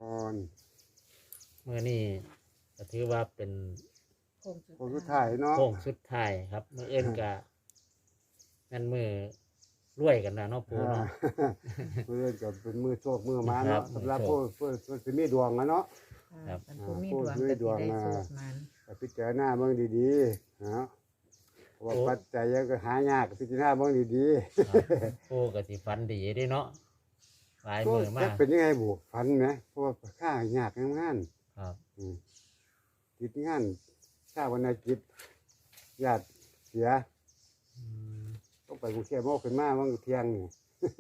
ก่อนเมื่อนี้ก็ถือว่าเป็นโค้งสุดคนสุดท้ายเนาะโค้งสุดท้ายครับเมื่อเอื้นกะนั่นมือรวยกันนะเนาะปูอ่าเนาะมือกับเป็นมือโชคมือมาครัเนาะบสำหรับมือโชผู้คผู้สิมีดวงอะเนาะครับอันผู้มีดวงก็สิได้โชคมันแต่พิจารณาเบิ่งดีๆนะเพราะว่าปัจจัยยังก็หายากพิจารณาเบิ่งดีครับปูก็สิฝันดีเด้เนาะหลายๆก็มือจะมากเป็นยังไงบุฝันไหมเพราะว่าค่ายากงานครับติดงานชาวันอาทิตย์ญาติเสียอืมต้องไปกรุงเทพโมกขึ้นมาวันเที่ยงนี่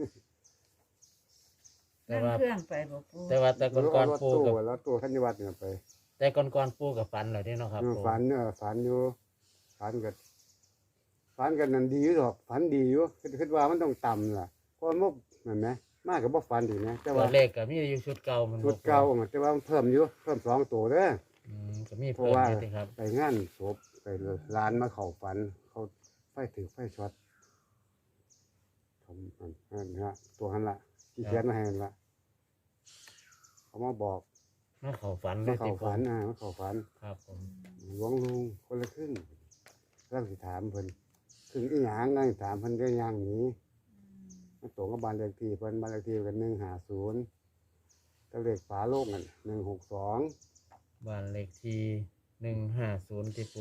แต่นั่งว่าเครื่องไปบ่ปูแต่ว่าแต่ก่อนรถปูตู้กับแล้วตู้ธัญวัฒน์เนี่ยไปแต่ก่อนปูกับฝันเลยเด้เนาะครับปูฝันฝันอยู่ฝันกันนั่นดีอยู่หรอกฝันดีอยู่คิดว่ามันต้องต่ำล่ะเพราะมันเห็นไหมมากกับบ่ฝันดีนะแต่ตัว่าวเลขก็มีอยู่ชุดเก่ามันบ่ชุดเก่าแต่ว่ามันเพิ่มอยู่เพิ่ม2 ตัวเด้อก็มีเพราะเพิ่มว่าอยู่ติครับไปงานศพไปร้านมาเข้าฝัน เขาไฟถือไฟช็อตทำนั่นฮะตัวหันละที่เขียนมาให้นั่นละเขามาบอกมาเข้าฝันเลมาย เข้าติปูฝันมาเข้าฝันครับผมหลวงลุงคนละครึ่งร่างสิถามเพิ่นครึ่งอีหยังร่างสิถามเพิ่นก็ย่างหนีมันตรงกับบ้านเลขที่เพิ่นบ้านเลขที่กัน150ตะเลขฝาโลกนั่น162 บ้านเลขที่150ติปู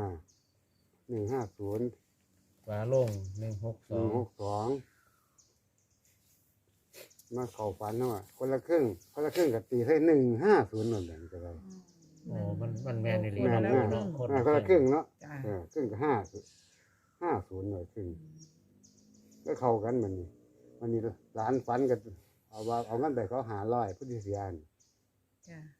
150 ฝาโล่ง162 162มาเข้าฝันเนาะคนละครึ่งก็ตีให้150นั่นแหละก็ได้โอ้มันแม่นอีหลีแม่นเนาะปูเนาะคนคนละครึ่งเนาะจ้าครึ่งก็50หน่อยครึ่งก็เข้ากันมันนี่ร้านฝันกันเอาเงินไปเขา500ผู้ที่เสียนจ้า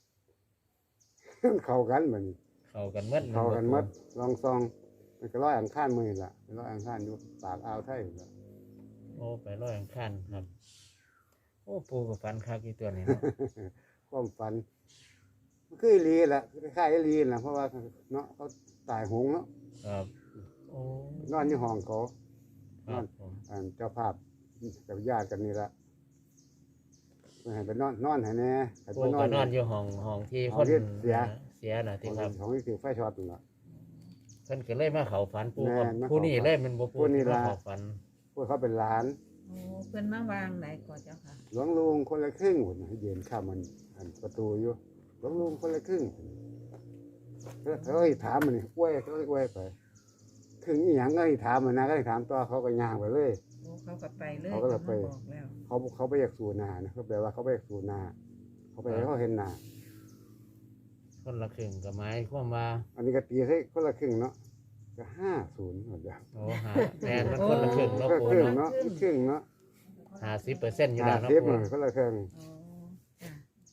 เข้ากันมันเข้ากันหมดเข้ากันหมดลองซองมันก็ร้อยอังคารมื้อนี่ล่ะเป็นร้อยอังคารอยู่ปากอ่าวไทยนั่นล่ะโอ้ไปร้อยอังคารครับ โอ้ปูกับฟันคักอีตัวนี้เนาะความฝันมันคืออีหลีแหละคล้ายๆอีหลีน่ะเพราะว่าเนาะเขาตายโหงเนาะครับโอ้นอนอยู่ห้องเขาครับผมเจ้าภาพกับญาติกันนี่ละเพิ่นให้ไปนอนให้แน่ให้ปูไปนอก็นนอนอยู่ห้องที่ห้คองนที่เสียเสียน่ะที่ครับของที่ถือไฟช็อตนั่นล่ะเพิ่นก็เลยมาเข้าฝันปูกับแม่นมาเข้าผู้นี้เลยมันบ่ปูผู้นี้ที่มาล่ะเข้าฝันพวกเขาเป็นหลานโอ้เพิ่นมาวางไหนก่อนเจ้าค่ะหลวงลุงคนละครึ่งหุ่นให้ยืนข้ามมันอันประตูอยู่หลวงลุงคนละครึ่งเขาให้ถามมันนี่อ้วยเขาอ้วยไปครึ่งอีหยังก็ให้ถามมันนะก็ให้ถามต่อเขาก็ย่างไปเลยโอ้เขาก็ไปเลยเขาก็เลยไปบอกแล้วเขาไปอยากสู่นานะเขาแปลว่าเขาไปอยากสู่นาเขาไปให้เขาเห็นนาคนละครึ่งก็หมายความว่าอันนี้ก็ตีให้คนละครึ่งเนาะก็50หมดแล้วโอ้หาแม่นมันคนละครึ่งเนาะก็ปูครึ่งเนาะเนาะครึ่งเนาะ 50%อยู่แล้วเนาะ 50 ปูหน่อยคนละครึ่งโอ้จ้า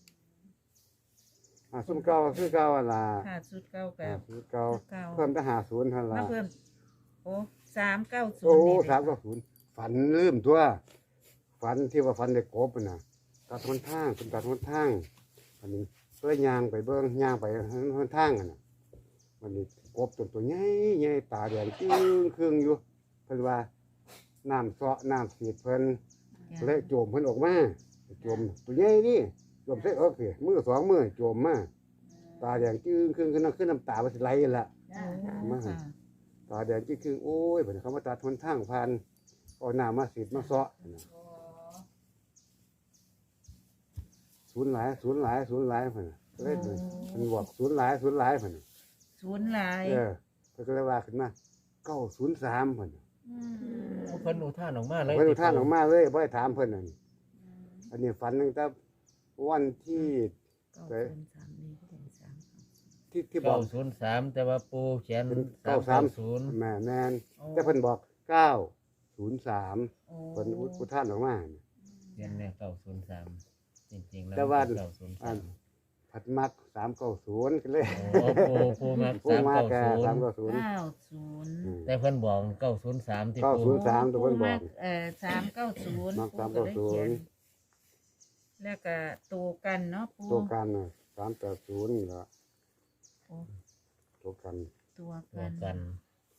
ซุ่มเก่าคือเก่าอะล่ะค่าสุดเก่ากับซุ่มเก่าเก่าเพิ่มแต่50เท่านั้นมาล่ะเพิ่มโอ้390 โอ้นี่ 390ฝันลืมตัวฝันที่ว่าฝันได้กบน่ะตัดหนทางเป็นตัดหนทางอันนี้เพื่อย่างไปเบิ่งย่างไปหนทางน่ะมันนี่กบตัวใหญ่ๆตาแดงจึ้งครึ่งอยู่เพิ่นว่าน้ำเซาะน้ำสีดเพิ่นจ้าเลยโจมเพิ่นออกมาโจมตัวใหญ่นี่โจมใส่เอิกสิมือ2มือโจมมาตาแดงจึ้งครึ่งขึ้นน้ำตามันสิไหลละโอ้ค่ะตาแดงจึ้งครึ่งโอ้ยเพิ่นเขามาตัดหนทางผ่านเอาน้ำมาสีดมาเซาะน่ะศูนย์หลายเพิ่นน่ะเลยเพิ่นบอกศูนย์หลายเพิ่นน่ะศูนย์หลายเพิ่นก็เลยว่าขึ้นมา903เพิ่นน่ะเพิ่นอุทานออกมาเลยเพิ่นเอาท่านออกมาเลยบ่ได้ถามเพิ่นนั่นอันนี้ฝันตั้งแต่วันที่ 903นี่ก็เป็น3 ที่บอก 903แต่ว่าปูเขียนเป็น 390 แม่นโอ้แต่เพิ่นบอก903 โอ้เพิ่นอุทานออกมาเขียนเนี่ย903จริงๆแล้วแต่ว่า 903 ผัดมัก390ก็เลยโอ้ปูมาผู้มาแก่ 390 390 แต่เพิ่นบอก903ที่ปู 903ตัวเพิ่นบอก 390 มักปูก็เลยเขียน 390 แล้วก็ตัวกันเนาะปูตัวกันน่ะ380นี่ล่ะโอ้ตัวกันตัวตัวกักัน น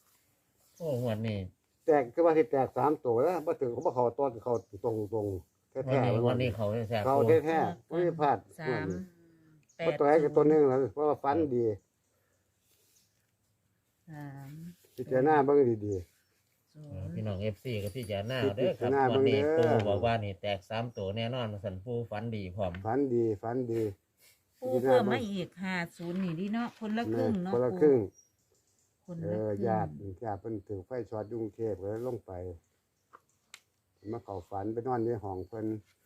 โอ้งวดนี้แตกคือว่าสิแตก3ตัวแล้วบ่ถึงเขาบ่เข้าตอนเข้าตรงๆแแท้วันนี้เขาแท้เขาปูแท้ๆไม่พลาดสามแปเพราะดตัวไหนก็ตัวหนึงแล้วเพราะว่าฟันดีสามพิจารณาเบิ่งดีศูนย์พี่น้อง FC ก็พี่จะหน้าเด้อครับพิจารณาวันนี้เบิ่ปูงเด้อบอกว่านี่แตก3ตัวแน่นอนสันปูฝันดีพร้อมๆฟันดีฟันดีปูเพิ่มมาอีก50นี่ดิเนาะคนละครึ่งเนาะคนละปูครึ่งคนเอละอครึ่งญาติเพิ่นถือไฟช็อตอยกรุงเทพก็เลยลงไปมาเข้าฝันไปนอนในห้องเพิ่น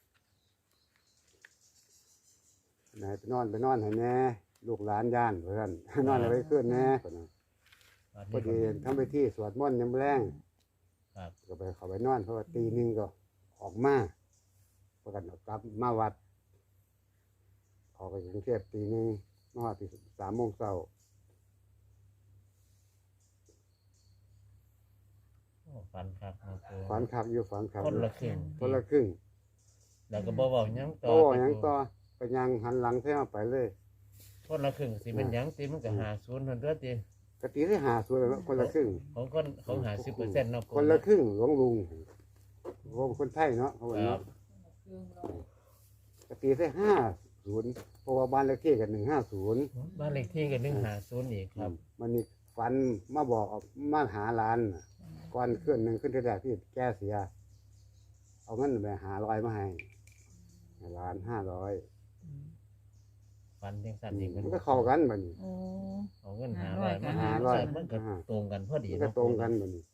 ไหนไปนอนให้แน่ลูกหลานย่านเพิ่น นอนเอาไว้ขึ้นแน่เพิ่นน่ะวันพอนี้ดีทำไปที่สวดมนต์ยามแรงครับก็ไปเข้าไปนอนเพราะว่าตีหนึงก็ออกมาประกันกลับมาวัดออกไปกรุงเทพตีหนึงมาฮอดตี3 โมงเช้าโอ้ฝันครับปูฝันคักอยู่ฝันคักคนอยู่ละครึ่งคนละครึ่งแล้วก็บ่เว้าหยังต่อโตหยังต่อไปยังหันหลังแท้ไปเลยคนละครึ่งสิเป็นหยังสิมันก็50นั่นเด้อติกะตีได้หาส่วนแล้วคนละครึ่งของ50%เนาะปูคนละครึ่งหลวงลุงคนไทยเนาะเขาบอกครัเนาะบกะตีได้50เพราะว่าบ้านเลขที่กัน150 บ้านเลขที่ก็150อีกครับมันนี่ฝันมาบอกมาหาหลานน่ะก่อนขึ้นหนึ่งขึ้นที่แรกที่แกเสีย เอาเงินไป500มาให้หลาน500 ฝันจังซั่นอีกมันก็เข้ากันบัดนี้โอ้เอาเงิน 500 500มา 500 มันก็ตรงกันพอดีมันเนาะก็ตรงกันบัดนี้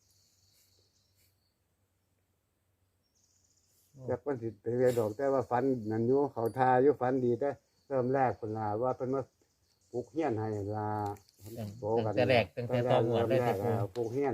แต่เพิ่นสิไปเรียนดอกแต่ว่าฝันนั่นอยู่เขาทาอยู่ฝันดีแต่เริ่มแรกเพิ่นลาว่าเพิ่นมาปลูกเฮียนให้ลาตั้งแต่แรกตั้งแต่ตอนหัวดเลยแรที่กปูปลูกเฮียน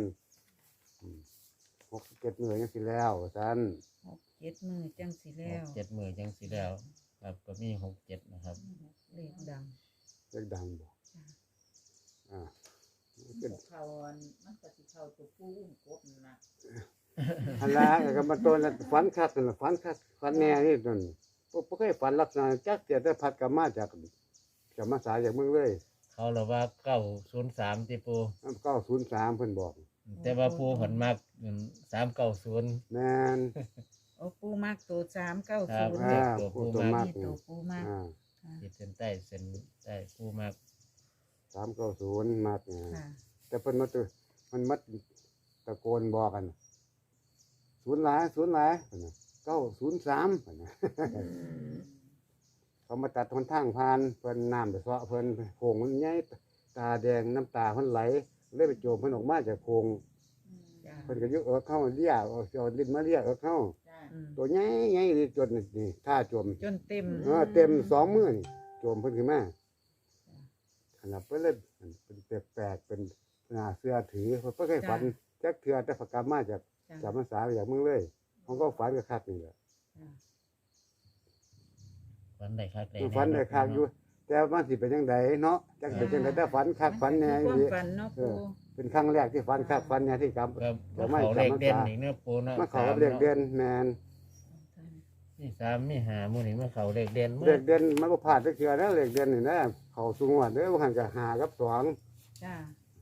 67 มื้อจังสิแล้วซั่น 6-7 มือจังสิแล้ว 7 มื้อจังสิแล้ว ครับก็มี67นะครับเลขดังเล็กดังบ่อ่าเขามันก็สิเข้าตัวผู้อุ้มกบนั่นล่ะอันละก็มาตัวนั้นฝันคักนั่นล่ะฝันคักฝันแน่นี่นั่นบ่เคยฝันลักษณะจักเสียแต่พัดกลับมาจากมาสายจากเมืองเลยเขาเราว่า903ที่ปู 903เพิ่นบอกแต่ว่าปูผลมาก390 แม่นโอ้ปูมากตัวครับ 390 อ่าตัวปูตัวมามาก กนี่ตัวปูมากอ่าขีดเส้นใต้เส้นใต้ปูมาก 390มากเนี่ยค่ะแต่เพิ่นมาตัวมันมัดตะโกนบอกกันศูนย์หลายเพิ่นน่ะ903เพิ่นน่ะ เขามาตัดหนทางผ่านเพิ่นน้ำไปเซาะเพิ่นโพงมันใหญ่ตาแดงน้ำตาเพิ่นไหลเลยไปโจมเพิ่นออกมาจากโพงจ้าเพิ่นก็ยึกเอิกเข้าเลียเอาลิ้นมาเลียเอิกเข้าจ้าอืมตัวใหญ่ใหญ่เลยจนนี่ท่าโจมจนเต็มเต็ม2 มื้อนี่โจมเพิ่นขึ้นมาขนาดเพิ่นเลยเป็นแปลกๆเป็นหน้าเสื้อถือเพิ่นบ่เคยฝันจักเทื่อแต่พกลับมาจากจ้าจำพรรษาจากเมืองเลยผมก็ฝันก็คักนี่แหละฝันได้คักได้ฝันได้คักอยู่ แต่มันสิเป็นจังไดเนาะจักเป็นจังไดแต่ฝันคักฝันแน่ความอีฝันเนาะปูเป็นครั้งแรกที่ฝันคักฝันแน่ที่กรรมก็เดี๋ยวไม่เขาเลขจำพรรษาเด่นอีกเนื้อปูเนาะมาเขากับเรียกเดือนแมนมี3มี5หมู่นี่มาเขาเลขเด่นเรียกเดือนมันก็ผ่านไปเกือนะเรียกเดือนนี่นะเขาสูงวัดเด้อหันกับ5 กับ 2 จ้า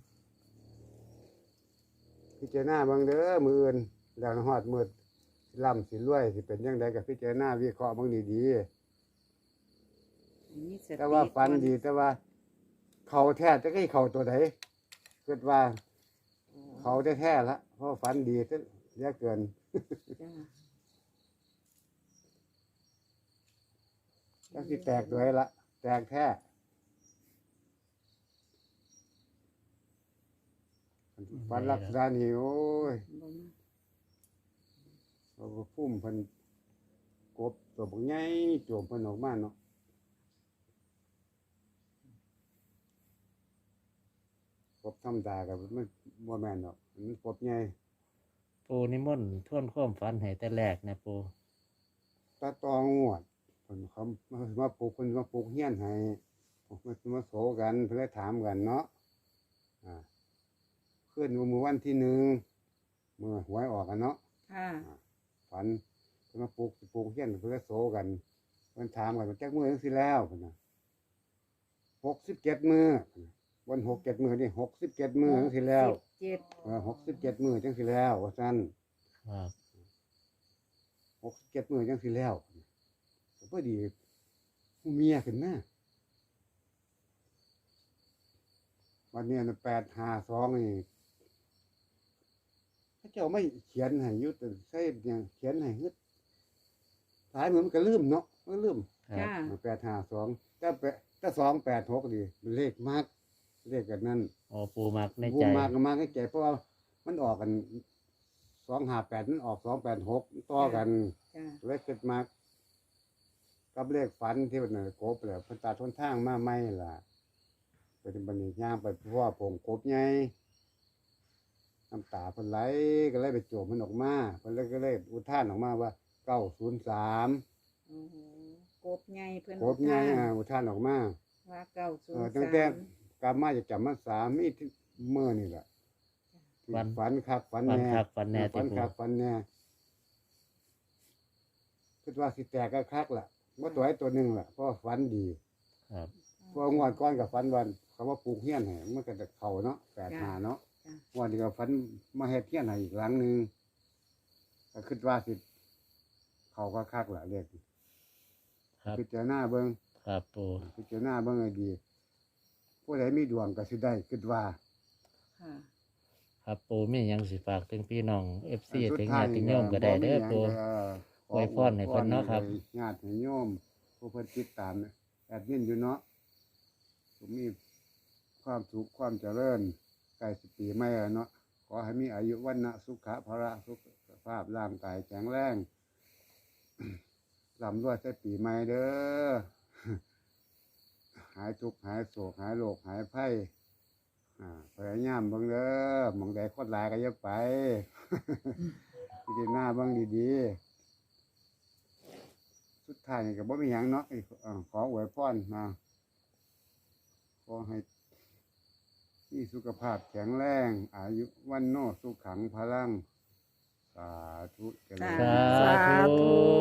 พิจารณาเบิ่งเด้อมื้ออื่นแล้วฮอดมื้อล่ำสิรวยสิเป็นจังไดก็พิจารณาวิเคราะห์เบิ่งดีมีสๆแต่ว่าฝันดีแต่ว่า เขาแท้จะให้เขาตัวใดคิดว่า เขาแท้ๆละเพราะฝันดีซะเหลือเกินจ้าจังสิแตกด้วยละแตกแท้ฝันลักษณะนี้โอ้ยเราก็พุ่มเพิ่นกบตัวบักใหญ่โจมเพิ่นออกมาเนาะกบธรรมดากับมันบ่แม่นเนาะมันกบใหญ่ปูนิมนต์ทวนความฝันให้แต่แรกนะปูตาตองวดเพิ่นเขามาปลูกเพิ่นมาปลูกเฮียนให้มาโสกันเพิ่นเลยถามกันเนาะขึ้นมื้อวันที่1มื้อหวยออกกันเนาะค่ะฝันเพิ่นมาปลูกเฮียนเพิ่นเลยโสกันเพิ่นถามกันว่าจักมื้อจังซี่แล้วเพิ่นน่ะ67 มื้อวัน67 มื้อนี่67 มื้อจังซี่แล้ว 17 67 มื้อจังซี่แล้วว่าซั่นครับ 6-7 มื้อจังสิแล้วก็พอดีผู้เมียขึ้นมาวันนี้น่ะ852นี่พระเจ้าไม่เขียนให้อยู่แต่ใส่หยังเขียนให้ฮึดหลายมื้อมันก็ลืมเนาะมันลืมครับจ้า 852แต่286นี่มันเลขมากเลขกันนั้นโอ้ปูมักในผู้ใจมากก็มากให้ใจเพราะว่ามันออกกัน258มันออก286ต่อกันจ้าเลขเกิดมากกับเลขฝันที่มันน่ะกบแล้วเพิ่นตัดหนทางมาใหม่ล่ะเป็นบัดนี้ย่างไปเพราะว่าผงกบใหญ่น้ำตาเพิ่นไหลก็เลยไปโจมมันออกมาเพิ่นเลยก็เลยอุทานออกมาว่า903 โอ้โหกบใหญ่เพิ่นกบใหญ่อุทานออกมาว่าเก้าศูนย์ตั้งแต่กลับมาจะจำมาสามีที่มื้อนี่ล่ะที่ฝันฝันคักฝันฝันแน่คักฝันแน่ฝันที่ปูคักฝันแน่คิดว่าสิแตกก็คักล่ะว่าตัวไอ้ตัวหนึงล่ะเพราะว่าฝันดีครับเพราะงวดก้อนกับฝันวันคำว่าปลูกเฮียนให้มันก็จะเข้าเนาะ85เนาะงวดนี้ก็ฝันมาเฮ็ดเฮียนให้อีกหลังหนึงก็คิดว่าสิเข้าก็คักล่ะเรียกครับพิจารณาเบิ่งครับปูพิจารณาเบิ่งให้ดีผู้ใดมีดวงก็สิได้คิดว่าค่ะครับปูมีหยังสิฝากถึงพี่น้อง FC อันสุถึงท้าญาย ติโยมก็ได้เด้อปูขอวยพรให้เพิ่นเนาะครับญาติโยมผู้เพิ่นติดตามแอดมินอยู่เนาะผมมีความสุขความเจริญใกล้สิปีใหม่แล้วเนาะขอให้มีอายุวันนะสุขะพระสุขภาพร่างกายแข็งแรง ร่ำรวยใส่ปีใหม่เด้อ หายทุกข์หายโศกหายโรคหายภัยพยายามเบิ่งเด้อหมองใดคนหลายก็อย่าไป พิจารณาเบิ่งดีๆสุดท้ายนี่ก็บ่มีหยังเนาะขออวยพรนะขอให้มีสุขภาพแข็งแรงอายุวันโนสุขังพลังสาธุเจริญสาธุ